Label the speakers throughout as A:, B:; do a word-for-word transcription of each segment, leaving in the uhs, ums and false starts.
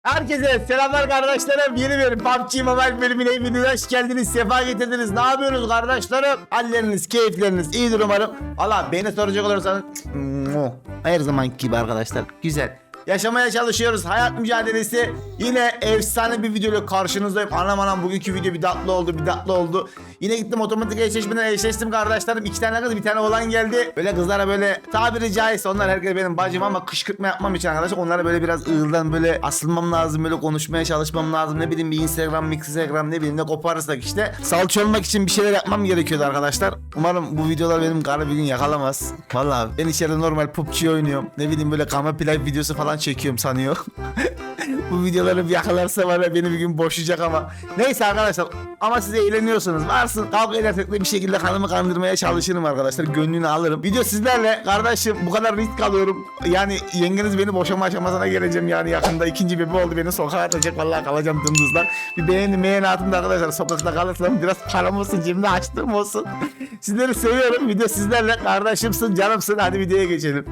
A: Herkese selamlar kardeşlerim. Yeni bir P U B G Mobile bölümüne hepiniz hoş geldiniz. Sefa getirdiniz. Ne yapıyorsunuz kardeşlerim? Halleriniz, keyifleriniz iyidir umarım. Valla beni soracak olursanız her zamanki gibi arkadaşlar. Güzel. Yaşamaya çalışıyoruz. Hayat mücadelesi. Yine efsane bir videoyla karşınızdayım. Anam anam bugünkü video bir tatlı oldu, bir tatlı oldu. Yine gittim otomatik eşleşmeden eşleştim kardeşlerim. İki tane kız, bir tane oğlan geldi. Böyle kızlara böyle tabiri caizse onlar herkes benim bacım ama kışkırtma yapmam için arkadaşlar. Onlara böyle biraz ığırdan böyle asılmam lazım. Böyle konuşmaya çalışmam lazım. Ne bileyim bir Instagram, Instagram ne bileyim ne koparırsak işte. Salça olmak için bir şeyler yapmam gerekiyordu arkadaşlar. Umarım bu videolar benim karı bir gün yakalamaz. Vallahi ben içeride normal P U B G oynuyorum. Ne bileyim böyle kamera play videosu falan çekiyorum sanıyor. Bu videoları bir yakalarsa var ya beni bir gün boşayacak ama. Neyse arkadaşlar ama siz eğleniyorsunuz. Varsın kavga edersek de bir şekilde kanımı kandırmaya çalışırım arkadaşlar. Gönlünü alırım. Video sizlerle kardeşim bu kadar risk alıyorum. Yani yengeniz beni boşama aşamasına geleceğim yani yakında. İkinci bebe oldu beni sokağa atacak. Vallahi kalacağım dımdızdan. Bir beğeni beğeni atın da arkadaşlar sokakta kalırsam biraz param olsun cebimde açtığım olsun. Sizleri seviyorum. Video sizlerle kardeşimsin canımsın. Hadi videoya geçelim.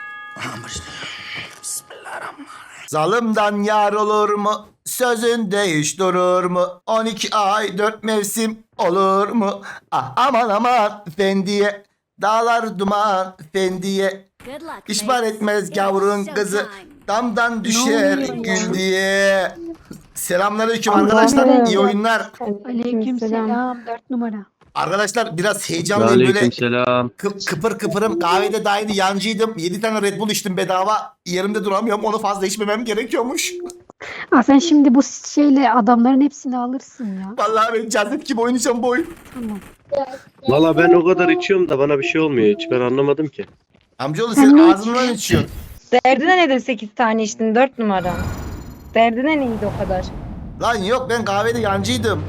A: Zalımdan yar olur mu? Sözünde hiç durur mu? on iki ay dört mevsim olur mu? Ah aman aman fendiye. Dağlar duman fendiye. İşbar etmez gavrun kızı. Damdan düşer gül diye. Selamünaleyküm arkadaşlar. İyi oyunlar.
B: Aleykümselam. Dört numara.
A: Arkadaşlar biraz heyecanlıyım böyle.
C: Aleykümselam.
A: Kı- kıpır kıpırım. Kahvede daha yeni yancıydım. yedi tane Red Bull içtim bedava. Yerimde duramıyorum. Onu fazla içmemem gerekiyormuş.
B: Aa, sen şimdi bu şeyle adamların hepsini alırsın ya.
A: Vallahi ben cazip gibi oynayacağım bu oyun.
B: Tamam.
C: Valla ben o kadar içiyorum da bana bir şey olmuyor hiç. Ben anlamadım ki.
A: Amcaoğlu
B: Sen
A: sen
B: ne
A: ağzından içiyorsun.
D: Derdine nedir sekiz tane içtin dört numara? Derdine neydi o kadar?
A: Lan yok ben kahvede yancıydım.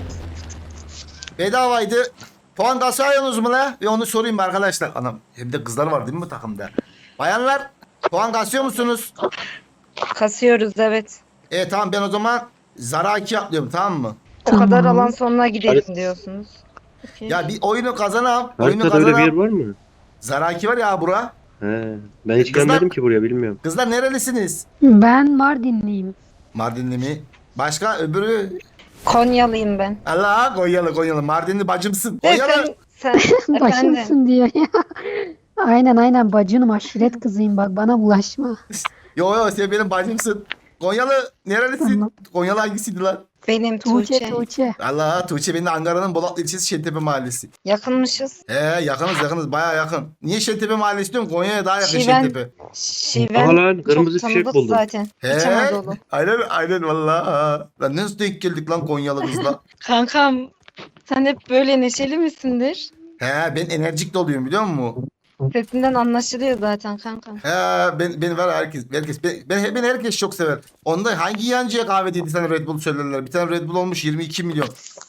A: Bedavaydı. Puan kasıyorsunuz mu la? Ve onu sorayım arkadaşlar. Anam hem de kızlar var değil mi bu takımda? Bayanlar puan kasıyor musunuz?
D: Kasıyoruz evet.
A: Evet tamam ben o zaman Zara iki atlıyorum tamam mı?
D: O kadar
B: Tamam.
D: alan sonuna gidelim diyorsunuz. Peki.
A: Ya bir oyunu kazanam. Oyunu
C: Haritada öyle bir yer
A: kazanam.
C: var mı?
A: Zara iki var ya bura.
C: He. Ben hiç
A: Kızlar-
C: gelmedim ki buraya bilmiyorum.
A: Kızlar nerelisiniz?
B: Ben Mardinliyim.
A: Mardinli mi? Başka öbürü?
D: Konyalıyım ben.
A: Allah Konyalı Konyalı. Mardinli bacımsın.
D: Ve
A: Konyalı.
D: sen, sen efendim.
B: Başımsın diyor ya. Aynen aynen bacınım aşiret kızıyım bak bana bulaşma.
A: Yo yo sen benim bacımsın. Konyalı nerelisin?
B: Tamam.
A: Konyalı hangisiydi lan?
D: Benim
B: Tuğçe
D: Tuğçe.
B: Tuğçe.
A: Allah Tuğçe benim de Ankara'nın Bolatlı ilçesi Şentepe mahallesi.
D: Yakınmışız.
A: He yakınız yakınız baya yakın. Niye Şentepe mahallesi diyorum? Konya'ya daha yakın
D: Şiven.
A: Şentepe.
D: Şiven
C: Aha lan, kırmızı
D: çok
C: fişek
D: tanıdık
C: buldum.
D: zaten.
A: He
D: İç Anadolu.
A: aynen aynen valla. Lan nasıl denk geldik lan Konyalı kızla?
D: Kankam sen hep böyle neşeli misindir?
A: He ben enerjik doluyum biliyor musun?
D: Sesinden anlaşılıyor zaten kankam.
A: He ben beni ver herkes herkes ben, ben beni herkes çok sever. Onda hangi yancıya kahve dedi sana Red Bull söylerler. Bir tane Red Bull olmuş yirmi iki milyon.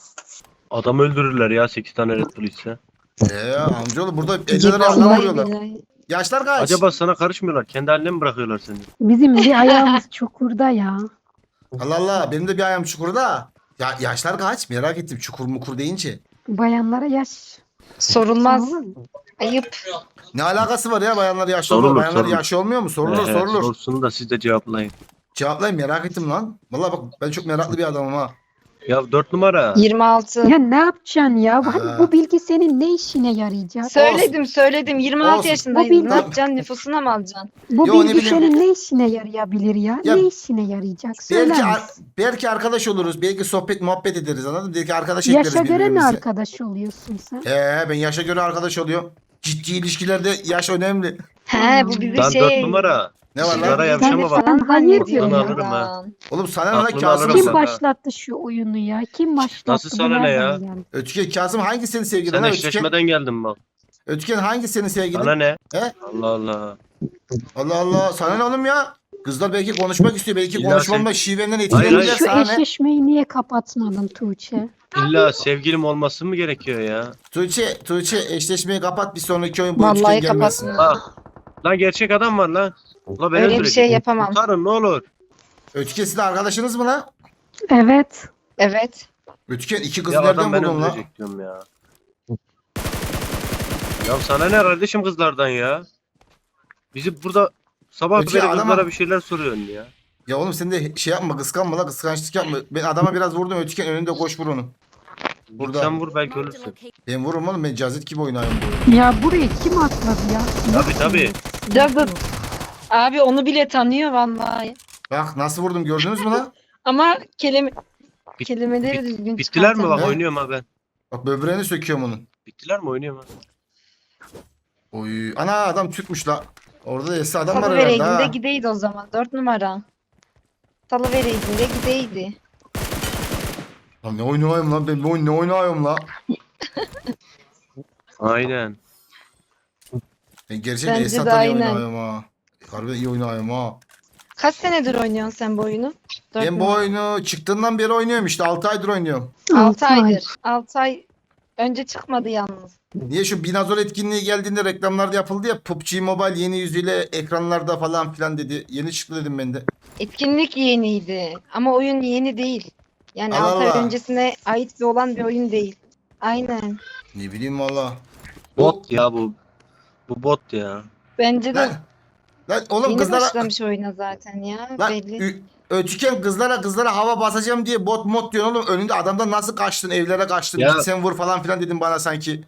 C: Adam öldürürler ya sekiz tane Red Bull içse.
A: He amcaoğlu burada elli lira yandan
D: Vallahi
A: vuruyorlar.
D: billahi.
A: Yaşlar kaç?
C: Acaba sana karışmıyorlar. Kendi haline mi bırakıyorlar seni?
B: Bizim bir ayağımız çukurda ya.
A: Allah Allah benim de bir ayağım çukurda. Ya yaşlar kaç? Merak ettim çukur mukur deyince.
B: Bayanlara yaş.
D: Sorulmaz.
B: Sorulur mu?
D: Ayıp.
A: Ne alakası var ya bayanlar yaşlı
C: Sorulur,
A: olur. Bayanlar
C: sorulur.
A: yaşlı olmuyor mu? Sorulur
C: He,
A: sorulur.
C: Sorsun da siz de cevaplayın.
A: Cevaplayın merak ettim lan. Vallahi bak ben çok meraklı bir adamım ha.
C: Ya dört numara.
D: yirmi altı.
B: Ya ne yapacaksın ya?
A: Ha.
B: Hani bu bilgi senin ne işine yarayacak?
D: Söyledim söyledim yirmi altı
A: Olsun.
D: yaşındayız.
B: O bilgi-
D: Ne yapacaksın nüfusuna mı alacaksın?
B: Bu
A: Yo, ne
B: bilgi
A: bileyim.
B: senin ne işine yarayabilir ya?
A: Ya,
B: ne işine yarayacak? Söyler
A: Belki ar-
B: misin?
A: belki arkadaş oluruz. Belki sohbet muhabbet ederiz anladın mı? Belki arkadaş ekleriz
B: Yaşa göre mi
A: birbirimize.
B: arkadaş oluyorsun sen?
A: He ben yaşa göre arkadaş oluyorum. Ciddi ilişkilerde yaş önemli.
D: He bu bizi
C: Lan
D: şey...
C: dört numara.
A: Ne var lan?
C: Sigara
B: Sen-
C: yavşama bak.
B: sen hayır diyor
C: Aklını
B: ya.
C: alırım ha.
A: Oğlum sana ne lan
C: Aklını
A: Kasım?
C: alırım
B: Kim
C: sana.
B: başlattı şu oyunu ya? Kim başlattı?
C: Nasıl
B: Bu
C: sana ne
B: nereden
C: ya?
B: geldi?
A: Ötüken Kasım hangi senin sevgilin?
C: Sen
A: lan Ötüken?
C: eşleşmeden geldin bak.
A: Ötüken hangi senin sevgilin?
C: Bana ne?
A: He?
C: Allah Allah.
A: Allah Allah sana ne oğlum ya? Kızlar belki konuşmak istiyor. Belki
C: İlla
A: konuşmamla
C: sen-
A: şivenden
C: Hayır,
A: etkilenirler
C: hayır.
B: Şu
A: sana ne?
B: eşleşmeyi niye kapatmadın Tuğçe?
C: İlla sevgilim olması mı gerekiyor ya?
A: Tuğçe, Tuğçe eşleşmeyi kapat bir sonraki oyun bu Ötüken
D: Vallahi
A: gelmesin.
D: kapatmıyor.
C: Bak. Lan gerçek adam var lan. Ula beni
D: Öyle bir
C: öldürecek.
D: şey yapamam.
C: Kurtarın ne olur.
A: Ötüken sizin arkadaşınız mı lan?
B: Evet.
D: Evet.
A: Ötüken iki kız
C: Ya
A: nereden
C: adam beni
A: buldun lan?
C: öldürecek diyorum ya. Ya sana ne kardeşim kızlardan ya? Bizi burada sabah
A: Öteki
C: beri
A: adama-
C: kızlara bir şeyler soruyorsun ya.
A: Ya oğlum sen de şey yapma, kıskanma la, kıskançlık yapma. Ben adama biraz vurdum, ötüken önünde koş vur onu. Burada.
C: Sen vur belki ölürsün.
A: Ben vururum oğlum, ben cazet gibi oynayayım bu oyunu.
B: Ya buraya kim atladı ya?
C: Tabii tabii.
D: Cazıt. Abi onu bile tanıyor vallahi.
A: Bak nasıl vurdum, gördünüz mü lan?
D: Ama kelime
C: Bit-
D: kelimeleri
C: bit-
D: düzgün
C: Bittiler mi bak
A: He?
C: oynuyorum ha ben.
A: Bak böbreğini söküyorum onun.
C: Bittiler mi oynuyorum ha.
A: Oy. Ana adam Türkmüş la. Orada da eski adam var
D: Salı
A: herhalde
D: vereydin
A: ha.
D: de gideydi o zaman. Dört numara. Salı vereydin de gideydi.
A: Lan ne oynayayım lan, ben bu oyun ne oynayayım la.
C: Aynen.
A: Ben gerçekten
D: Bence de
A: Esat'la iyi
D: aynen.
A: oynayayım ha. Harbiden iyi oynayayım ha.
D: Kaç senedir oynuyorsun sen bu oyunu? Dört
A: Ben bu
D: numara.
A: oyunu çıktığından beri oynuyorum işte, altı aydır oynuyorum.
D: Altı aydır. Altı ay önce çıkmadı yalnız.
A: Niye şu Binazol etkinliği geldiğinde reklamlarda yapıldı ya, P U B G Mobile yeni yüzüyle ekranlarda falan filan dedi. Yeni çıktı dedim ben de.
D: Etkinlik yeniydi ama oyun yeni değil. Yani
A: Allah
D: altı ay
A: Allah.
D: öncesine ait bir olan bir oyun değil. Aynen.
A: Ne bileyim valla.
C: Bot ya bu. Bu bot ya.
D: Bence de
A: Lan, lan oğlum
D: yeni
A: kızlara...
D: başlamış oyuna zaten ya.
A: Lan
D: Belli.
A: ü- ötüken kızlara kızlara hava basacağım diye bot mod diyorsun oğlum. Önünde adamdan nasıl kaçtın, evlere kaçtın.
C: Ya-
A: Git sen vur falan filan dedim bana sanki.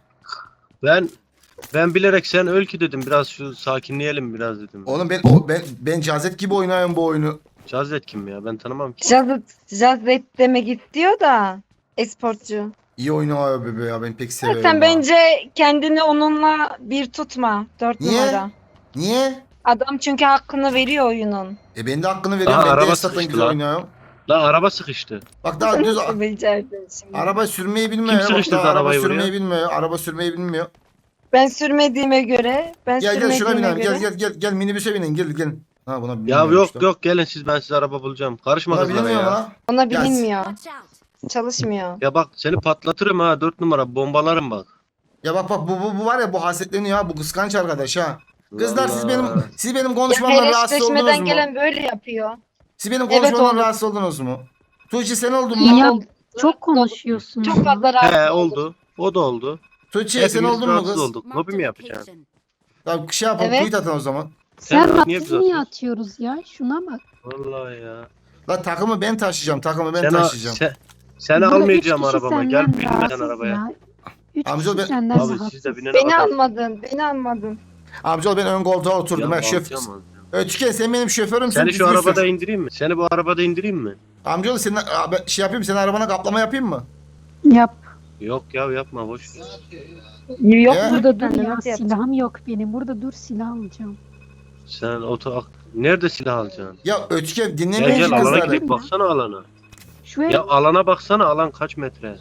C: Ben ben bilerek sen öl ki dedim. Biraz şu sakinleyelim biraz dedim.
A: Oğlum ben o, ben ben cazet gibi oynuyorum bu oyunu.
C: Cazet kim ya? Ben tanımam ki.
D: Jazz, Jazzet demek istiyor da esportcu.
A: İyi oynuyor bebe ya, ben pek seviyorum.
D: Sen
A: ha.
D: bence kendini onunla bir tutma. Dört
A: Niye?
D: numara.
A: Niye?
D: Adam çünkü hakkını veriyor oyunun.
A: E ben de hakkını veriyorum.
C: Aa,
A: ben de
C: araba
A: Esat'tan
C: sıkıştı
A: güzel
C: lan.
A: oynuyorum.
C: Lan araba sıkıştı.
A: Bak daha düz
D: Becerdin şimdi.
A: araba sürmeyi bilmiyor.
C: Kim
A: Bak
C: sıkıştırdı
A: daha araba
C: arabayı
A: sürmeyi
C: buraya?
A: bilmiyor. Araba sürmeyi bilmiyor.
D: Ben sürmediğime göre, ben
A: Gel gel şuna
D: sürmediğime
A: binelim.
D: göre.
A: Gel gel gel gel minibüse binin. Gel gel. Ha buna
C: Ya
A: binmiyorum
C: yok
A: işte.
C: yok gelin siz, ben size araba bulacağım. Karışma
A: Buna
C: kızlara
A: binemiyorum
C: ya.
A: ha.
D: Ona
A: Ya-
D: bilinmiyor.
E: Watch out.
D: Çalışmıyor.
C: Ya bak seni patlatırım ha, dört numara bombalarım bak.
A: Ya bak bak bu, bu, bu var ya, bu hasetleniyor ha, bu kıskanç arkadaş ha. Kızlar siz
C: Vallahi.
A: benim siz benim
D: Ya
A: konuşmamdan rahatsız oldunuz
D: hereşleşmeden
A: mu?
D: gelen böyle yapıyor.
A: Siz benim
D: Evet,
A: konuşmamdan
D: oldum.
A: rahatsız oldunuz mu? Tuğçe sen oldun mu?
B: Ya
D: Oldu.
B: çok konuşuyorsun.
D: Çok fazla rahatsız
C: He
D: oldum.
C: oldu. O da oldu.
A: Tuğçe sen
C: Hepimiz
A: oldun mu
C: rahatsız
A: kız?
C: olduk.
E: Marked
C: Lobi mi
E: a
C: yapacaksın?
E: location.
A: Ya şey yapalım,
D: Evet.
A: tweet atın o zaman.
B: Sen
C: Sen
B: bak
C: niye
B: biz
C: bize
B: niye
C: atıyorsun?
B: atıyoruz ya? Şuna bak.
C: Vallahi ya.
A: La takımı ben taşıyacağım, takımı ben
C: sen,
A: taşıyacağım.
C: sen, seni
B: Burada
C: almayacağım
B: üç kişi
C: arabama. Gel
B: senden
C: binme sen
B: rahatsız
C: arabaya.
B: ya. Üç
A: Amca
B: kişi
A: ben-
B: senden
C: Abi
B: rahatsız.
C: siz de binin
D: Beni
C: arabaya.
D: almadın, beni almadın.
A: Amcaoğlu ben ön koltuğa oturdum. Ben şöf...
C: alacağım, alacağım.
A: Ötüken sen benim şoförümsün.
C: Seni şu
A: düzgün
C: arabada
A: sür.
C: indireyim mi? Seni bu arabada indireyim mi?
A: Amcaoğlu senin abi, şey yapayım, senin arabana kaplama yapayım mı?
B: Yap.
C: Yok ya yapma boş.
D: Yok
A: Ya.
B: Burada dur
D: Ben de
B: ya.
D: nasıl yapacağım?
B: Silahım yok benim. Burada dur silah alacağım.
C: Sen oto nerede silah alacaksın?
A: Ya Ötüken
C: Gel
A: dinlemeyin
C: gel
A: şu
C: alana
A: kızları.
C: gidelim, baksana alana.
B: Şu ev
C: Ya alana baksana, alan kaç metre?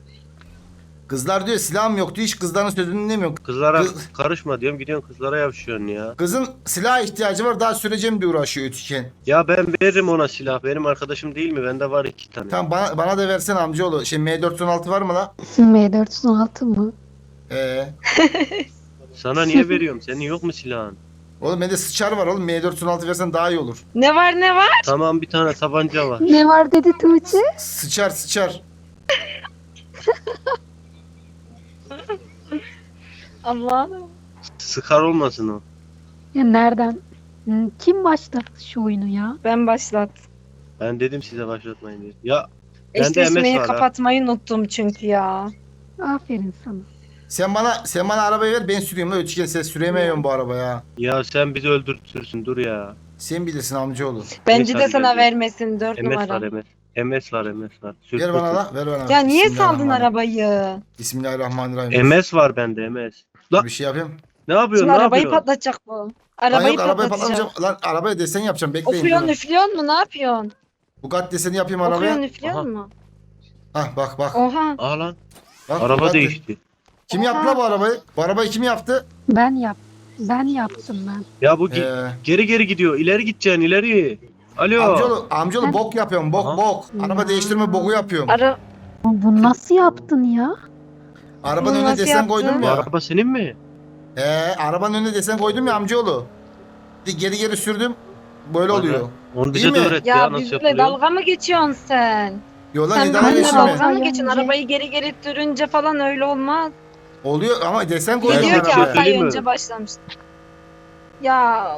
A: Kızlar diyor silahım yok diyor, hiç kızların sözünü dinlemiyor.
C: Kızlara
A: Kız-
C: karışma diyorum, gidiyorsun kızlara yavşıyorsun ya.
A: Kızın silaha ihtiyacı var, daha süreceğim diye uğraşıyor Ötüken.
C: Ya ben veririm ona silah, benim arkadaşım değil mi? Bende var iki tane.
A: Tamam bana, bana da versene amcaoğlu. Şey M dört yüz on altı var mı la?
B: M dört yüz on altı mı?
A: Ee,
C: Sana niye veriyorum? Senin yok mu silahın?
A: oğlum bende sıçar var oğlum. M dört yüz on altı versen daha iyi olur.
D: Ne var ne var?
C: Tamam bir tane tabanca var.
B: Ne var dedi Tuğçe?
A: Sıçar sıçar.
D: Allah'ım.
C: Sıkar olmasın o.
B: Ya nereden? Hmm, Kim başlattı şu oyunu ya?
D: Ben başlat.
C: Ben dedim size başlatmayın diye. Ya bende M
D: Eşleşmeyi
C: S var ha.
D: kapatmayı unuttum çünkü ya.
B: Aferin sana.
A: Sen bana sen bana arabayı ver, ben süreyim la Ötüken, sen süremiyorum bu arabaya.
C: Ya sen bizi öldürtürsün, dur ya.
A: Sen bilirsin amcaoğlu.
D: Bence
C: Neyse,
D: de
C: hadi
D: sana
C: gel.
D: vermesin dört
C: M S var
D: numara.
C: M S. M S var M S var. Sür,
A: Ver
C: sür,
A: bana
C: sür.
A: la, ver bana.
D: Ya niye saldın
A: Bismillahirrahmanirrahim.
D: arabayı?
A: Bismillahirrahmanirrahim.
C: M S var bende M S. Lan
A: Bir şey yapayım.
C: ne yapıyorsun?
D: Şimdi
C: Ne
D: arabayı
C: yapıyorsun?
D: patlatacak bu.
A: Lan
D: Arabayı
A: yok arabayı
D: patlatacak.
A: patlamayacağım. Lan arabaya desen yapacağım, bekleyin.
D: Ofuyorsun
A: durun.
D: üflüyorsun mu? Ne yapıyorsun?
A: Bugatti deseni yapayım
D: Okuyorsun
A: arabaya.
C: Aha.
D: üflüyorsun mu?
A: Hah bak bak.
D: Oha.
C: Aa lan
A: bak
C: araba
A: Bugatti.
C: değişti.
A: Kim yaptı la bu arabayı? Bu arabayı kim yaptı?
B: Ben yap. Ben yaptım ben.
C: Ya bu gi-
A: Ee,
C: geri geri gidiyor. İleri gideceksin ileri. Alo.
A: amcaoğlu, amcaoğlu
B: Ben-
A: bok yapıyorum, bok
C: Aha.
A: bok. Araba
B: Ya.
A: değiştirme boku yapıyorum.
D: Ara
B: Bu nasıl yaptın ya?
A: Arabanın
D: Bunu
A: önüne
D: nasıl
A: desen
D: yaptın?
A: koydum
C: Bu
A: ya.
C: araba senin mi?
A: Ee, arabanın önüne desen koydum ya amcaoğlu. Bir Geri geri sürdüm. Böyle oluyor.
C: Onu
A: İyi
C: bize de
A: mi?
C: öğret ya,
D: ya
C: nasıl
D: bizimle
C: yapılıyor.
D: dalga mı geçiyorsun sen?
A: Yola
D: Sen
A: idare
B: benimle
D: benimle
A: geçme.
B: dalga-
D: dalga mı geçiyorsun?
B: Bence.
D: Arabayı geri geri sürünce falan öyle olmaz.
A: Oluyor ama desen koydum
C: Ben
D: Diyor
C: sana
D: ki
C: bir şey
A: arabaya.
D: altı ay
C: söyleyeyim mi?
D: önce başlamıştı. Ya uf.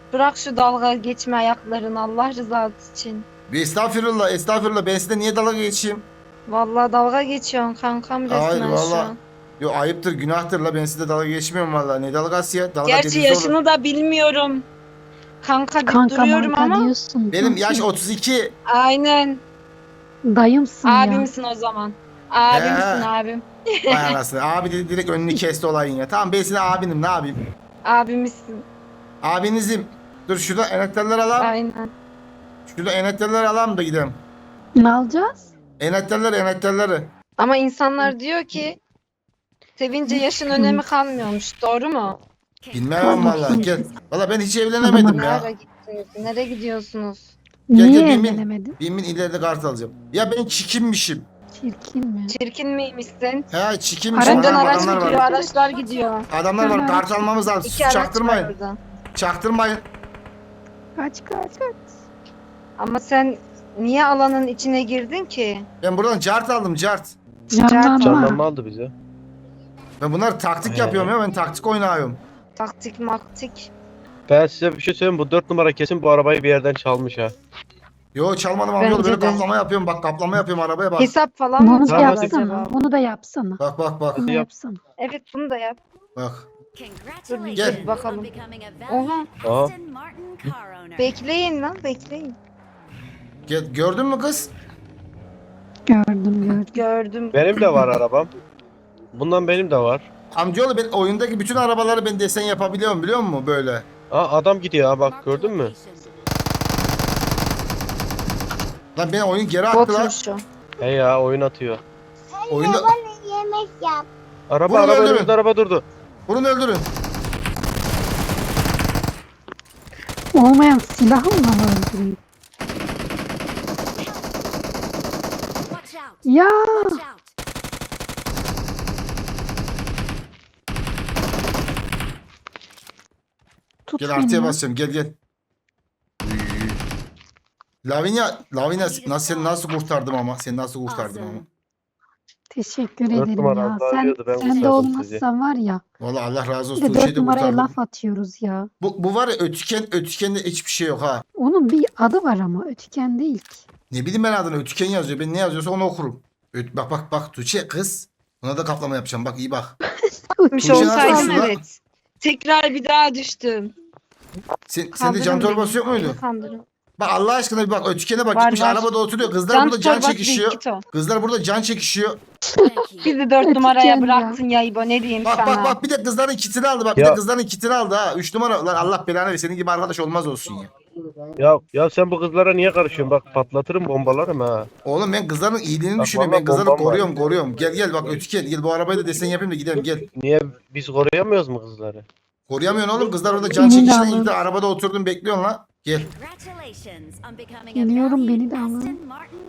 D: Bırak şu dalga geçme ayaklarını Allah rızası için.
A: Bir estağfurullah estağfurullah ben size niye dalga geçeyim?
D: Vallahi dalga geçiyorsun kankam resmen
A: Hayır
D: şu
A: valla.
D: an.
A: Yo ayıptır günahtır la ben size dalga geçmiyorum valla. Ne dalgası ya? Dalga
D: Gerçi
A: dediğiniz olur.
D: yaşını da bilmiyorum. Kanka deyip
B: Kanka
D: duruyorum
B: manka
D: ama.
B: diyorsun.
A: Benim
B: Kanka.
A: yaş otuz iki.
D: Aynen.
B: Dayımsın ya.
D: Abimsin o zaman. Abimsin
A: Ee.
D: abim.
A: Vay anasını. Abi dedi direkt önünü kesti olayın ya. Tamam ben size abinim ne yapayım?
D: Abimizsin.
A: Abinizim. Dur şurada enekterler alalım.
D: Aynen.
A: Şurada enekterler alalım da gidelim.
B: Ne alacağız?
A: Enekterler enekterleri.
D: Ama insanlar diyor ki sevince yaşın önemi kalmıyormuş. Doğru mu?
A: Bilmem valla. Gel. Valla ben hiç evlenemedim ya.
D: Nereye gittiniz? Nereye gidiyorsunuz?
A: Gel,
B: Niye
A: gel, bin, bin.
B: evlenemedin?
A: Bin bin ileride kart alacağım. Ya ben çikinmişim.
B: Çirkin mi?
D: Çirkin miymişsin?
A: He çikinmişim.
B: Aradan
D: Önden
A: Adamlar
D: araç
A: var.
D: gidiyor, araçlar gidiyor.
A: Adamlar var. Kart almamız lazım.
D: İki
A: Siz
D: araç
A: çaktırmayın.
D: var orada.
A: Çaktırmayın.
B: Kaç kaç kaç.
D: Ama sen niye alanın içine girdin ki?
A: Ben buradan cart aldım cart.
B: Canlanma.
C: Canlanma aldı bize.
A: Ben bunlar taktik
C: He.
A: yapıyorum ya ben taktik oynuyorum.
D: Taktik maktik.
C: Ben size bir şey söyleyeyim, bu dört numara kesin bu arabayı bir yerden çalmış ha.
A: Yo çalmadım amcaoğlu
D: Bence
A: böyle
D: de.
A: kaplama yapıyorum bak kaplama yapıyorum arabaya bak.
D: Hesap falan mı
B: Bunu da
C: Tamam,
D: yapacağız
C: hadi.
B: yapsana.
D: acaba?
B: Bunu da yapsana.
A: Bak bak bak
B: Bunu da
C: Yap.
B: yapsana.
D: Evet bunu da yap.
A: bak.
D: Dur bir
A: Gel.
D: dur bakalım. Oha.
C: Aha.
D: Bekleyin lan bekleyin.
A: Gel, gördün mü kız?
B: Gördüm gördüm.
D: Gördüm.
C: Benim de var arabam. Bundan benim de var.
A: Amcaoğlu ben oyundaki bütün arabaları ben desen yapabiliyorum biliyor musun böyle?
C: Aa adam gidiyor ha, bak gördün mü?
A: Lan beni oyun geri attı lan.
D: Botmuş şu.
C: He ya, oyun atıyor.
A: Oyunda
E: Yemek yap.
C: Araba
A: Bunu
C: araba
A: öldürün.
C: önümüzde araba durdu.
A: bunu öldürün.
B: Olmayan silahımla mı öldüreyim? Ya tut
A: Gel
B: beni
A: artıya
B: ya.
A: basacağım gel gel. Uy. Lavinia, Lavinia nasıl seni nasıl kurtardım ama seni nasıl kurtardım ama.
B: Teşekkür
C: Dört
B: ederim
C: numara
B: ya.
C: abla
B: Sen,
C: arıyordu, ben
B: sen de
C: kurtardım
B: olmazsan var ya.
A: Vallahi Allah razı
B: Bir
A: olsun.
B: de
A: Tuğçe'yi
B: dört
A: de
B: numaraya
A: kurtardım.
B: laf atıyoruz ya.
A: Bu, bu var ya ötüken, ötükende hiçbir şey yok ha.
B: Onun bir adı var ama ötüken değil ki.
A: Ne bileyim ben adını ötüken yazıyor. Ben ne yazıyorsa onu okurum. Öt, bak bak bak Tuğçe kız. Buna da kaplama yapacağım bak iyi bak.
D: Gitmiş
A: Tuğçe nasıl
D: olsaydım
A: aslında?
D: evet. Tekrar bir daha düştüm.
A: Sen, sende can
D: Kandırın
A: torbası
D: beni.
A: yok muydu?
D: Beni kandırın.
A: Bak Allah aşkına bir bak ötükene bak
D: Var,
A: gitmiş
D: var.
A: arabada oturuyor. Kızlar
D: Can
A: burada can
D: torbası değil,
A: çekişiyor.
D: git o.
A: Kızlar burada can çekişiyor.
D: Bizi dört
B: Ötüken
D: numaraya
B: ya.
D: bıraktın ya İbo ne diyeyim
A: Bak
D: sana.
A: bak bak bir de kızların kitini aldı bak. Bir
C: Ya.
A: de kızların kitini aldı ha. Üç numara. Lan Allah belanı versin. Senin gibi arkadaş olmaz olsun ya.
C: Ya ya sen bu kızlara niye karışıyorsun? Bak patlatırım, bombalarım ha.
A: Oğlum ben kızların iyiliğini
C: Bak,
A: düşünüyorum.
C: vallahi
A: Ben kızları
C: bombam var.
A: koruyorum koruyorum. Gel gel bak ötüken. Gel bu arabayı da desen yapayım da gidelim gel.
C: Niye biz koruyamıyoruz mu kızları?
A: Koruyamıyorsun oğlum. Kızlar orada can
B: Beni de
A: çekişten
B: alın.
A: gitti. Arabada oturdun bekliyorsun lan. Gel.
B: Geliyorum, beni de alın.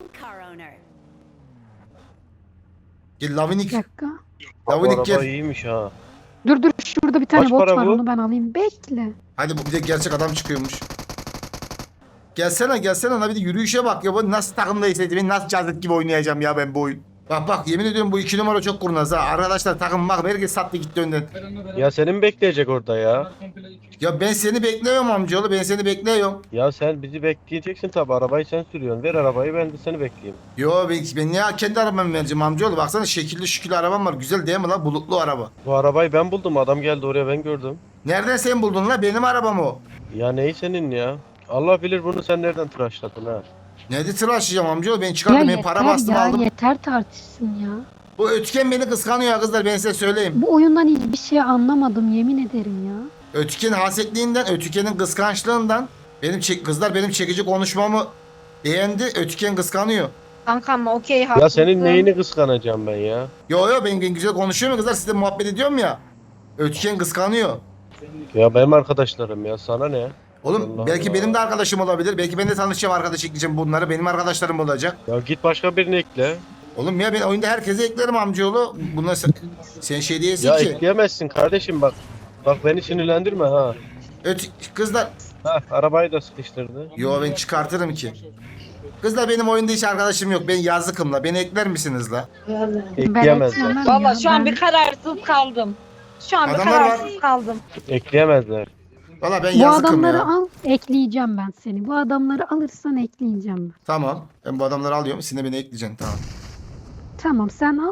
A: Gel
B: Bir
A: Lavinik.
B: dakika.
C: Bu
A: Lavinik
C: araba
A: gel.
C: iyiymiş ha.
B: Dur dur şurada bir tane
C: Kaç
B: bot
C: para
B: var
C: bu?
B: onu ben alayım. Bekle.
A: Hadi bu bir de gerçek adam çıkıyormuş. Gelsene gelsene ona bir de yürüyüşe bak ya. Bu nasıl takımdaysa ben nasıl cazlık gibi oynayacağım ya ben bu oyun. Bak bak yemin ediyorum bu iki numara çok kurnaz ha. Arkadaşlar takım bak herkes sattı gitti önden.
C: Ya seni mi bekleyecek orada ya?
A: Ya ben seni bekliyorum amcaoğlu ben seni bekliyorum.
C: Ya sen bizi bekleyeceksin tabi, arabayı sen sürüyorsun. Ver arabayı, ben de seni bekleyeyim.
A: Yo ben, ben niye kendi arabamı vereceğim amcaoğlu. Baksana şekilli şükürlü arabam var. Güzel değil mi lan bulutlu araba.
C: Bu arabayı ben buldum, adam geldi oraya, ben gördüm.
A: Nereden sen buldun lan benim arabam o.
C: Ya neyi senin ya? Allah bilir bunu sen nereden tıraşladın ha?
A: Nerede tıraşlayacağım amcaoğlu ben
B: Ya
A: çıkardım ben
B: yeter
A: para bastım
B: ya
A: aldım.
B: yeter tartışsın ya.
A: Bu ötüken beni kıskanıyor ya kızlar ben size söyleyeyim.
B: Bu oyundan hiçbir şey anlamadım yemin ederim ya.
A: Ötüken hasetliğinden, ötükenin kıskançlığından benim çek, kızlar benim çekici konuşmamı beğendi. Ötüken kıskanıyor.
D: Kankam okey haklısın.
C: Ya senin neyini kıskanacağım ben ya?
A: Yo yo ben, ben güzel konuşuyorum ya kızlar sizle muhabbet ediyorum ya. Ötüken kıskanıyor.
C: Ya benim arkadaşlarım ya, sana ne?
A: Oğlum
C: Allah
A: belki
C: Allah.
A: benim de arkadaşım olabilir. Belki ben de tanışacağım arkadaş ekleyeceğim bunları. Benim arkadaşlarım olacak.
C: Ya git başka birini ekle.
A: Oğlum ya ben oyunda herkese eklerim amcaoğlu. Bunlar sen, sen şey değilsin
C: Ya
A: ki.
C: ekleyemezsin kardeşim, bak. Bak beni sinirlendirme ha.
A: Öt kızlar.
C: Ha arabayı da sıkıştırdı.
A: Yo ben çıkartırım ki. Kızlar benim oyunda hiç arkadaşım yok. Ben yazıkım la. Beni ekler misiniz la?
C: Ekleyemezler.
B: eklemem
D: Valla
B: ya,
D: şu an
B: ben-
D: bir kararsız kaldım. Şu an bir
A: Adamlar var.
D: kararsız kaldım.
C: Ekleyemezler.
A: Valla ben
B: Bu
A: yazıkım
B: adamları
A: ya.
B: al, ekleyeceğim ben seni. Bu adamları alırsan ekleyeceğim ben.
A: Tamam. Ben bu adamları alıyorum. Sen de beni ekleyeceksin. Tamam.
B: Tamam sen al.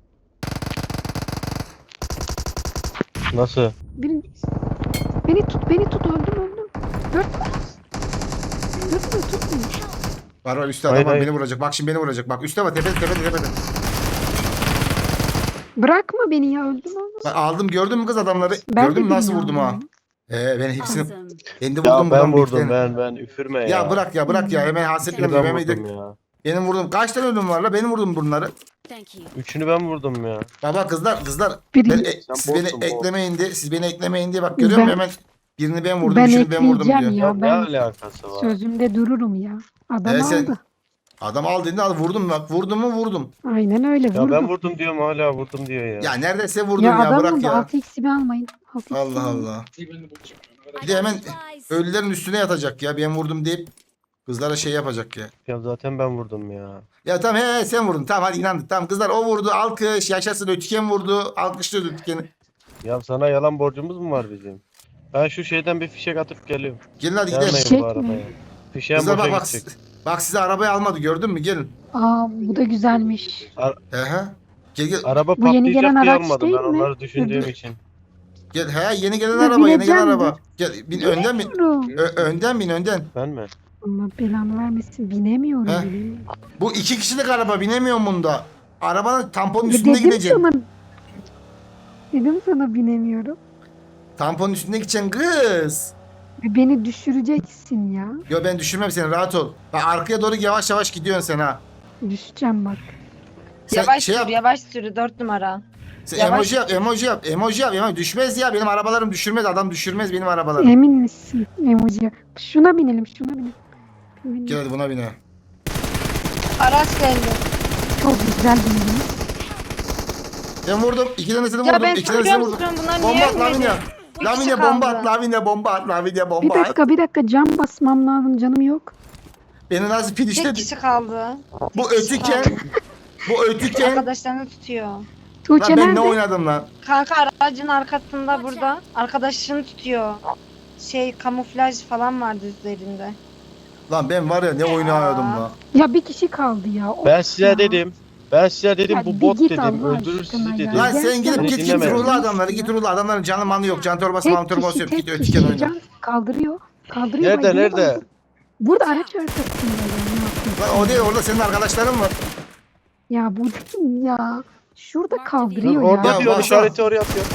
C: Nasıl?
B: Beni, beni tut, beni tut. Öldüm öldüm. Dört mü? Dört mü? Tut beni.
A: Var var üstte
C: Hayır,
A: adam var
C: hayır.
A: beni vuracak. Bak şimdi beni vuracak. Bak üstte var tepede tepede tepede.
B: Bırakma beni ya, öldüm öldüm.
A: Bak aldım gördün mü kız adamları?
B: Ben
A: Gördün mü
B: de
A: nasıl
B: beni
A: vurdum ha?
B: aldım.
A: Ee ben hepsini
E: Awesome.
A: ben de vurdum
C: Ya ben
A: buradan
C: vurdum
A: büyüklerini.
C: ben ben üfürme ya.
A: Ya bırak ya bırak ya hemen
C: Üçünü
A: hasetlenme
C: ben
A: hemen
C: vurdum
A: de-
C: ya.
A: benim vurdum. Kaç tane ölüm var la? Benim vurdum bunları.
E: Thank you.
C: Üçünü ben vurdum ya.
A: Baba kızlar kızlar
B: Biri-
A: ben, e,
C: Sen
A: siz beni
C: botsun, bot.
A: eklemeyin diye siz beni eklemeyin diye bak görüyor musun
B: Ben-
A: hemen birini ben vurdum
B: Ben
A: üçünü ben vurdum
B: ekleyeceğim
A: diyor.
B: ya.
C: Ya,
B: ben-
C: ne alakası var?
B: Sözümde dururum ya. Adam
A: Ee, sen-
B: aldı.
A: Adam al dedi al vurdum bak vurdum mu vurdum.
B: Aynen öyle
C: Ya
B: vurdu.
C: ben vurdum diyorum hala vurdum diyor ya.
A: Ya neredeyse vurdum
B: Ya
A: ya,
B: adam
A: bırak
B: vurdu.
A: ya.
B: altı x'i almayın. altı x'i
A: Allah
B: almayın.
A: Allah. Bir de hemen ölülerin üstüne yatacak ya ben vurdum deyip kızlara şey yapacak ya.
C: Ya zaten ben vurdum ya.
A: Ya tamam he, he sen vurdun tamam hadi inandık tamam kızlar o vurdu alkış yaşasın Ötüken vurdu alkışlıyordu Ötüken'i.
C: Ya sana yalan borcumuz mu var bizim? Ben şu şeyden bir fişek atıp geliyorum.
A: Gelin hadi
C: Gelmeyin
A: gidelim.
B: Fişek
C: bu
B: mi?
C: arabaya. Fişeğin
A: Kızlar
C: boşa
A: bak bak,
C: gidecek.
A: bak size arabayı almadı gördün mü gelin.
B: Aa bu da güzelmiş.
A: He he. Gel gel.
C: Araba
B: Bu yeni
C: patlayacak
B: gelen
C: diye
B: araç
C: almadım
B: değil
C: ben
B: mi?
C: onları düşündüğüm
B: Öbür-
C: için.
A: Gel he yeni gelen
B: Ya
A: araba yeni gelen
B: bineceğim
A: araba. Gel bin önden bin.
B: Bilemiyorum.
A: Ö- önden bin önden.
C: Ben mi?
B: Allah belanı vermesin. Binemiyorum.
A: He?
B: bilemiyorum.
A: Bu iki kişilik araba binemiyorum bunda. Arabanın tamponun
B: Ya
A: üstünde
B: dedim
A: gideceksin.
B: sana. Dedim sana binemiyorum.
A: Tamponun üstünde gideceksin kız.
B: Ve beni düşüreceksin ya.
A: Yo ben düşürmem seni rahat ol. Bak arkaya doğru yavaş yavaş gidiyorsun sen ha.
B: Düşeceğim bak.
A: Sen
D: Yavaş
A: şey
D: sür,
A: yap.
D: yavaş sür dört numara.
A: Sen
D: yavaş.
A: emoji yap, emoji yap, emoji yap. Emoji düşmez ya. Benim arabalarım düşürmez. Adam düşürmez benim arabalarım.
B: Emin misin? Emoji. Şuna binelim şuna binelim. Binelim.
A: Gel hadi buna bine.
D: Araç geldi.
B: Çok güzel bindim.
A: Ben vurdum. İki tanesini
D: Ya
A: vurdum.
D: ben
A: İki tanesini
D: soruyorum
A: vurdum.
D: soruyorum bunlar
A: Bomba
D: niye
A: at Lavinia.
D: ölmedi? Bir kişi
A: Lavinia bomba
D: kaldı.
A: at. Lavinia bomba at. Lavinia
B: Bir
A: bomba at.
B: dakika bir dakika cam basmam lazım canım yok.
A: Beni nasıl
D: Tek
A: finişledi?
D: kişi kaldı.
A: Bu
D: Tek kişi
A: ötüken.
D: kaldı.
A: Bu ötüken.
D: Arkadaşlarını tutuyor.
B: Tuğçe
A: Lan ben ne
B: nerede?
A: oynadım lan?
D: Kanka aracın arkasında burada. Arkadaşını tutuyor. Şey kamuflaj falan vardı üzerinde.
A: Lan ben var ya ne oynuyordum lan.
B: Ya bir kişi kaldı ya. Of
C: Ben size
B: ya.
C: dedim. Ben size dedim
B: Ya
C: bu
B: bir
C: bot
B: git
C: dedim.
B: Allah
C: Öldürür
B: aşkına
C: sizi
B: ya.
C: dedim.
A: Lan
B: Gel
A: sen gidip
C: Beni
A: git git
C: dinlemedin.
A: ruhlu adamları git ruhlu adamların canı manı yok. Can torbası man
B: Tek
A: torbası
B: kişi
A: yok.
B: tek
A: Git
B: kişi
A: ötüken oyna.
B: can kaldırıyor. Kaldırıyor.
C: Nerede,
B: bak, yine
C: nerede?
B: kaldır- Burada araç arkasında ya. Ne yapıyorsun?
A: Lan o değil orada senin arkadaşların var.
B: Ya bu değil ya. Şurada
C: Dur,
B: kaldırıyor
C: orada
B: ya.
A: Ya
C: diyor
A: bak-
C: işareti oraya atıyor.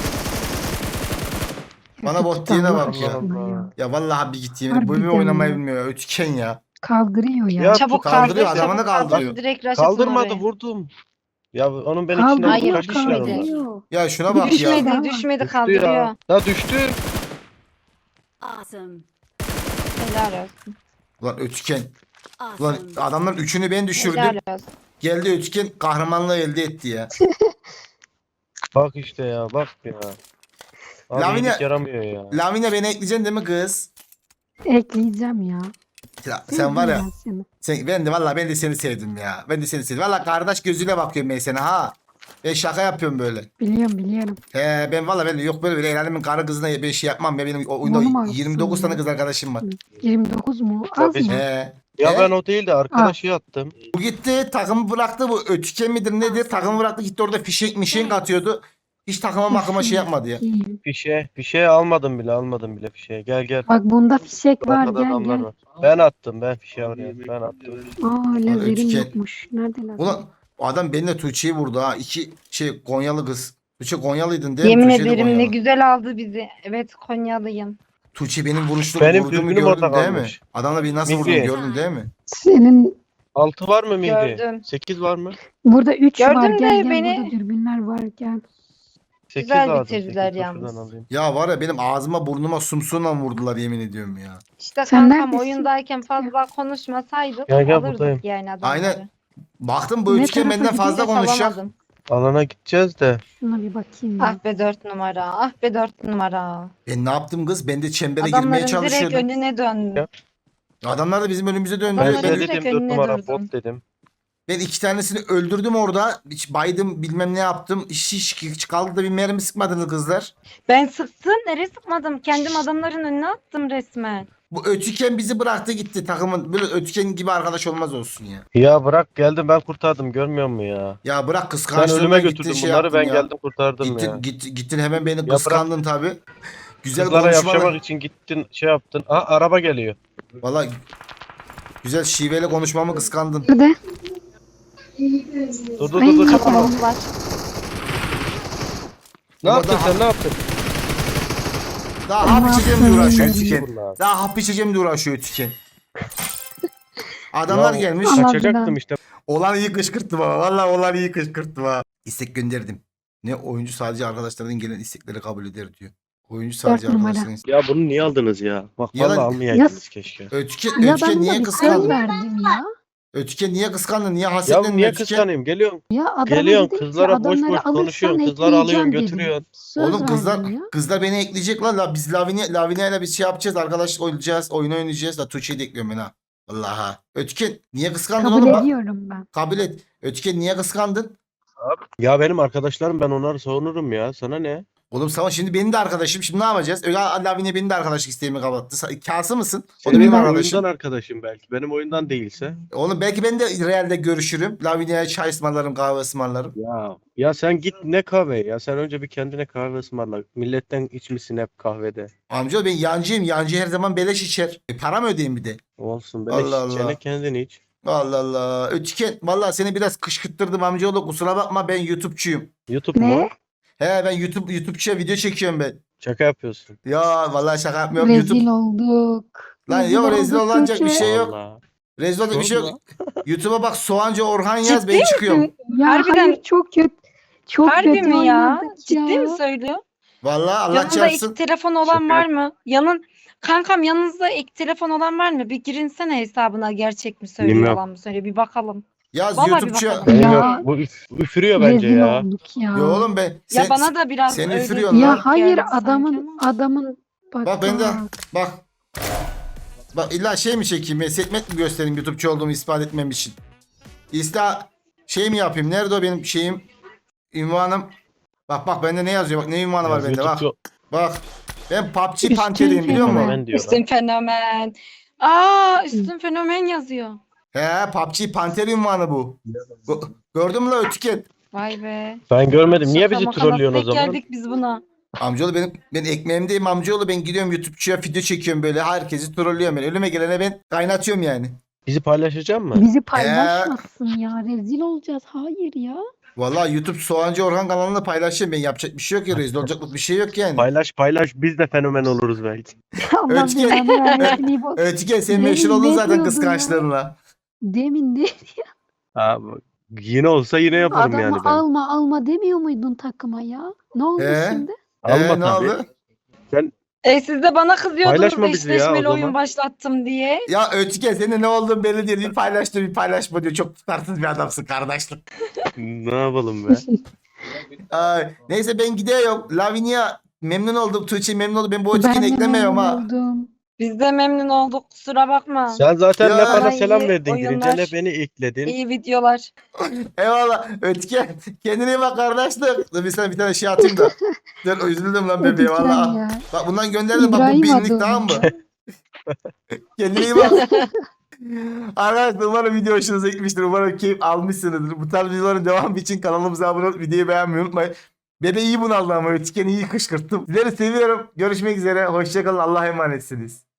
A: Bana bot
B: Git
A: diyene
B: Allah
A: bak ya.
B: aşkına ya.
A: Ya vallahi bir git yemin. Bu
B: Harbiden
A: bir oynamayı
B: ya.
A: bilmiyor ya. Ötüken ya.
B: Kaldırıyor ya.
C: Ya
D: Çabuk
A: kaldırıyor,
D: kaldır.
A: adamını
D: çabuk kaldır,
A: kaldırıyor.
D: Direkt rush atın
C: Kaldırmadı
D: oraya.
C: vurdum. Ya onun ben içinden
B: Kaldırıyor,
C: kaç kişi var
D: kaldırıyor.
C: orada?
B: kaldırıyor.
A: Ya şuna bak ya.
B: Düşmedi.
D: Düşmedi, düşmedi
C: Düştü
D: kaldırıyor.
C: ya. Ya düştü.
E: Awesome.
D: Helal olsun.
A: Ulan ötüken. Ulan
E: Awesome.
A: adamların üçünü ben düşürdüm.
D: Helal olsun.
A: Geldi ötüken kahramanlığı elde etti ya.
C: Bak işte ya bak ya. Abi
A: Lavinia-
C: iyilik yaramıyor ya.
A: Lavinia beni ekleyeceksin değil mi kız?
B: Ekleyeceğim ya.
A: Ya sen var ya.
B: Sevdim ben seni.
A: Sen, ben de vallahi ben de seni sevdim ya. Ben de seni sevdim. Vallahi kardeş gözüyle bakıyorum ben sana ha. Ben şaka yapıyorum böyle.
B: Biliyorum biliyorum.
A: He ben vallahi ben de yok böyle böyle el alemin karı kızına ben şey yapmam ya benim o-
B: Onu mu
A: oyunda
B: alsın
A: yirmi dokuz tane
B: ya?
A: kız arkadaşım var.
B: yirmi dokuz mu? Az
C: Tabii.
B: mı?
A: He.
C: Ya
A: He?
C: ben o değil de arkadaşı yattım.
A: Bu gitti takımı bıraktı bu ötüken midir nedir takımı bıraktı gitti orada fişek mişek atıyordu. Hiç takıma makıma şey yapmadı ya.
B: İyi.
C: Fişe, fişe almadım bile almadım bile fişe. Gel gel.
B: Bak bunda fişek var
C: Arkada
B: gel
C: adamlar
B: gel.
C: var. Ben attım ben fişe oraya. Ben attım.
B: Aa lazerim
A: ötüken.
B: yokmuş. Nerede lazer?
A: Ulan o adam benimle Tuğçe'yi vurdu ha. İki şey Konyalı kız. Tuğçe Konyalıydın değil mi?
D: Yemin
A: Tuğçe de
D: ederim ne
A: Konyalı.
D: güzel aldı bizi. Evet Konyalıyım.
A: Tuğçe benim vuruşlu
C: Benim
A: vurduğumu
C: dürbünüm orada
A: gördün değil mi?
C: kalmış.
A: Adamla bir nasıl
C: Mihri.
A: vurdum gördün değil mi?
B: Senin
C: Altı var mı Mihri?
D: Gördüm.
C: Sekiz var mı?
B: burada üç
D: Gördün
B: var
D: de
B: gel gel
D: beni-
B: burada dürbünler var gel.
C: Sekiz
D: Güzel
C: lazım.
D: bitirdiler
C: Sekiz, dur
D: yalnız.
C: şuradan alayım.
A: Ya var ya benim ağzıma burnuma sumsuğunla vurdular yemin ediyorum ya.
D: İşte
B: Sen
D: kankam
B: neredesin?
D: oyundayken fazla konuşmasaydık
C: Gel, gel,
D: alırdık
C: buradayım.
D: yani adamları.
A: Aynen. Baktım bu
B: Ne
A: üçgen
B: tarafa
A: benden fazla
D: Hiç
A: konuşacak.
D: alamadım.
C: Alana gideceğiz de.
B: Şuna bir bakayım ya.
D: Ah be dört numara. Ah be dört numara.
A: Ben ne yaptım kız? Ben de çembere girmeye
D: Adamların direkt
A: çalışıyordum.
D: önüne döndü.
C: Ya.
A: Adamlar da bizim önümüze döndü.
C: Ben
D: Onların
A: Ben,
C: size
D: direkt
C: dedim dört
D: önüne
C: numara
D: durdum.
C: bot dedim.
A: Ben iki tanesini öldürdüm orada. Hiç baydım bilmem ne yaptım. Hiç, hiç, hiç kaldı da bir mermi sıkmadınız kızlar.
D: Ben sıktım. Nereye sıkmadım? Kendim adamların önüne attım resmen.
A: Bu ötüken bizi bıraktı gitti takımın. Böyle ötüken gibi arkadaş olmaz olsun ya.
C: Ya bırak geldim ben kurtardım görmüyor musun ya?
A: Ya bırak
C: Sen
A: kıskançlığından
C: ölüme
A: gittin
C: götürdün
A: şey
C: bunları
A: yaptın
C: ben
A: ya.
C: geldim kurtardım
A: Gittin,
C: ya.
A: git, gittin hemen beni
C: bırak.
A: kıskandın tabi. Güzel
C: Kızlara
A: konuşmalar.
C: yapışmak için gittin şey yaptın. Aa araba geliyor.
A: Valla güzel şiveyle konuşmamı kıskandın.
B: Nerede?
C: Dur dur
B: Ay,
C: dur dur.
D: Kafamız var.
C: Ne
A: Ama
C: yaptın
A: daha-
C: sen ne yaptın?
A: Daha hap içeceğim diye uğraşıyor ötüken.
C: Bunlar.
A: Daha hap içeceğim diye uğraşıyor ötüken. Adamlar
C: Ya,
A: gelmiş.
B: Allah
C: Kaçacaktım
B: bilen.
C: işte.
A: Olan iyi kışkırttım ha. Valla olan iyi kışkırttım ha. İstek gönderdim. Ne oyuncu sadece arkadaşlarından gelen istekleri kabul eder diyor. Oyuncu sadece
B: Dört numara.
A: arkadaşların istek-
C: Ya bunu niye aldınız ya? Bak
A: Ya
C: vallahi
A: lan-
C: almayaydınız keşke.
A: Ötüken,
B: Ya
A: ötüken
B: ben
A: niye
B: niye söz
A: kıskandın?
B: verdim ya.
A: Ötüken niye kıskandın? Niye
C: Ya
A: hasetlendin
C: niye
A: ötüken?
C: kıskanayım? Geliyorsun.
B: Ya adama
C: Geliyorsun
B: dedim ki,
C: kızlara boş
B: adamları
C: boş
B: alırsan
C: konuşuyorsun. Kızları alıyorsun
B: ekleyeceğim dedim.
C: götürüyorsun.
B: Söz
A: Oğlum kızlar
B: verdim ya.
A: kızlar beni ekleyecek lan. La, biz Lavinia, Lavinia ile biz şey yapacağız. Arkadaşlık oynayacağız. Oyun oynayacağız. La Tuğçe'yi de ekliyorum ben ha. Allah'a. Ötüken niye kıskandın
B: Kabul
A: oğlum? Bak,
B: ediyorum ben.
A: kabul et. Ötüken niye kıskandın?
C: Ya benim arkadaşlarım ben onları savunurum ya. Sana ne?
A: Oğlum sana şimdi benim de arkadaşım. Şimdi ne yapacağız? Öyle Lavinia benim de arkadaşlık isteğimi kapattı. Sa- Kası mısın? O da
B: Şimdi
A: benim
B: ben-
A: arkadaşım.
C: Oyundan arkadaşım belki. Benim oyundan değilse.
A: Oğlum belki ben de realde görüşürüm. Lavinia'ya çay ısmarlarım, kahve ısmarlarım.
C: Ya ya sen git ne kahve ya. Sen önce bir kendine kahve ısmarla. Milletten içmişsin hep kahvede.
A: Amca ben yancıyım. Yancı her zaman beleş içer. E, para mı ödeyeyim bir de?
C: Olsun böyle
A: Allah
C: içeceğine
A: Allah.
C: kendin iç.
A: Allah Allah. Ötüken valla seni biraz kışkırttırdım amcaoğlu. Kusura bakma ben YouTube'çuyum.
C: YouTube
B: Ne?
C: mu?
A: He ben YouTube YouTube'çuya video çekiyorum ben.
C: Şaka yapıyorsun.
A: Ya vallahi şaka yapmıyorum.
B: Rezil
A: YouTube.
B: olduk.
A: Lan yok rezil
B: olduk
A: olacak bir
B: Tuğçe.
A: şey yok.
C: Allah.
A: Rezil olacak bir şey yok.
C: Sorma.
A: YouTube'a bak Soğancı Orhan yaz
D: Ciddi
A: ben çıkıyorum.
B: Ya
D: Harbiden-
B: hayır çok kötü. Çok
D: Harbi
B: kötü
D: mi ya?
B: oynadık
D: Ciddi
B: ya.
D: mi söylüyor?
A: Vallahi Allah
D: Yanında
A: çarpsın.
D: ek telefon olan
C: Şaka
D: var mı? Yanın Kankam yanınızda ek telefon olan var mı? Bir girinsene hesabına gerçek mi söylüyor
C: Bilmiyorum.
D: yalan mı söylüyor bir bakalım.
A: Yaz
D: Vallahi bir
A: YouTube'çuya.
D: bakalım.
C: Benim
B: Ya.
C: yok. Bu üf- üfürüyor bence
B: Rezil
C: ya.
B: olduk ya.
A: Ya oğlum ben. Sen,
D: ya bana da biraz
A: sen
D: öyle
A: üfürüyorsun lan.
B: Ya
D: denk
B: hayır
D: geldi sanki
B: adamın
D: ama.
B: adamın bak,
A: Bak ben de
B: bak.
A: bak. Bak illa şey mi çekeyim? Setmet mi göstereyim YouTube'cu olduğumu ispat etmem için? İsta şey mi yapayım? Nerede o benim şeyim? Ünvanım. Bak bak bende ne yazıyor? Bak ne ünvanı var bende bak.
C: YouTube'cu-
A: Bak. Ben P U B G
B: Üstün
A: Panter'iyim biliyor musun?
B: fenomen.
C: Ben diyor.
D: Üstün fenomen. Aa üstün fenomen yazıyor.
A: He P U B G Panter ünvanı bu. Go- Gördün mü la ötüken?
D: Vay be.
C: Ben görmedim. Niye
D: Şaka
C: bizi
D: maka
C: trollüyorsun o
D: nasıl denk
C: zaman?
D: geldik biz buna.
A: Amcaoğlu benim ben ekmeğimdeyim amcaoğlu ben gidiyorum YouTube'cuya video çekiyorum böyle herkesi trollüyorum ben. Ölüme gelene ben kaynatıyorum yani.
C: Bizi paylaşacak mı?
B: Bizi paylaşmasın ya. Rezil olacağız. Hayır ya.
A: Vallahi YouTube Soğancı Orhan kanalında paylaşıyorum ben yapacak bir şey yok ya rezil olacaklık bir şey yok yani.
C: Paylaş paylaş biz de fenomen oluruz belki.
B: Allah
A: Ötüken-
B: belanı vermesin iyi bak.
A: Ötüken sen
B: Ne-
A: meşhur oldun
B: ne
A: zaten
B: diyordun
A: kıskançlığınla.
B: Demin de
C: Ha, bu- yine olsa yine yaparım
B: adamı
C: yani ben.
B: alma alma demiyor muydun takıma ya? Ne oldu
A: He?
B: şimdi?
C: Alma
A: Ee, ne
C: tabii.
A: oldu?
D: E siz de bana kızıyordunuz
C: Paylaşma
D: da
C: bizi ya o
D: eşleşmeli
C: zaman.
D: oyun başlattım diye.
A: Ya Ötüken senin ne olduğun belli değil. Bir paylaştı bir paylaşma diyor. Çok tutarsız bir adamsın kardeşlik.
C: Ne yapalım be?
A: Ay, neyse ben gidiyorum. Lavinia memnun oldum. Tuğçe memnun oldum. Ben bu Ötüken'i
B: Ben de
A: eklemiyorum
B: memnun
A: ha.
B: oldum.
D: Biz de memnun olduk kusura bakma.
C: Sen zaten
A: Ya.
C: ne bana
D: Bana
C: selam
D: iyi
C: verdin girince
D: oyunlar.
C: ne beni ekledin.
D: İyi videolar.
A: Eyvallah. Ötüken kendine iyi bak kardeşlik. Dur bir sana bir tane şey atayım da. Dur üzüldüm lan bebeğe
B: Ötüken
A: valla.
B: ya.
A: Bak bundan gönderdim bak bu
B: İbrahim
A: binlik
B: adı.
A: tamam mı? Kendine iyi bak. Arkadaşlar umarım video hoşunuza gitmiştir. Umarım keyif almışsınızdır. Bu tarz videoların devamı için kanalımıza abone olup videoyu beğenmeyi unutmayın. Bebe iyi bunaldı ama Ötüken'i iyi kışkırttım. Sizleri seviyorum. Görüşmek üzere. Hoşçakalın. Allah'a emanetsiniz.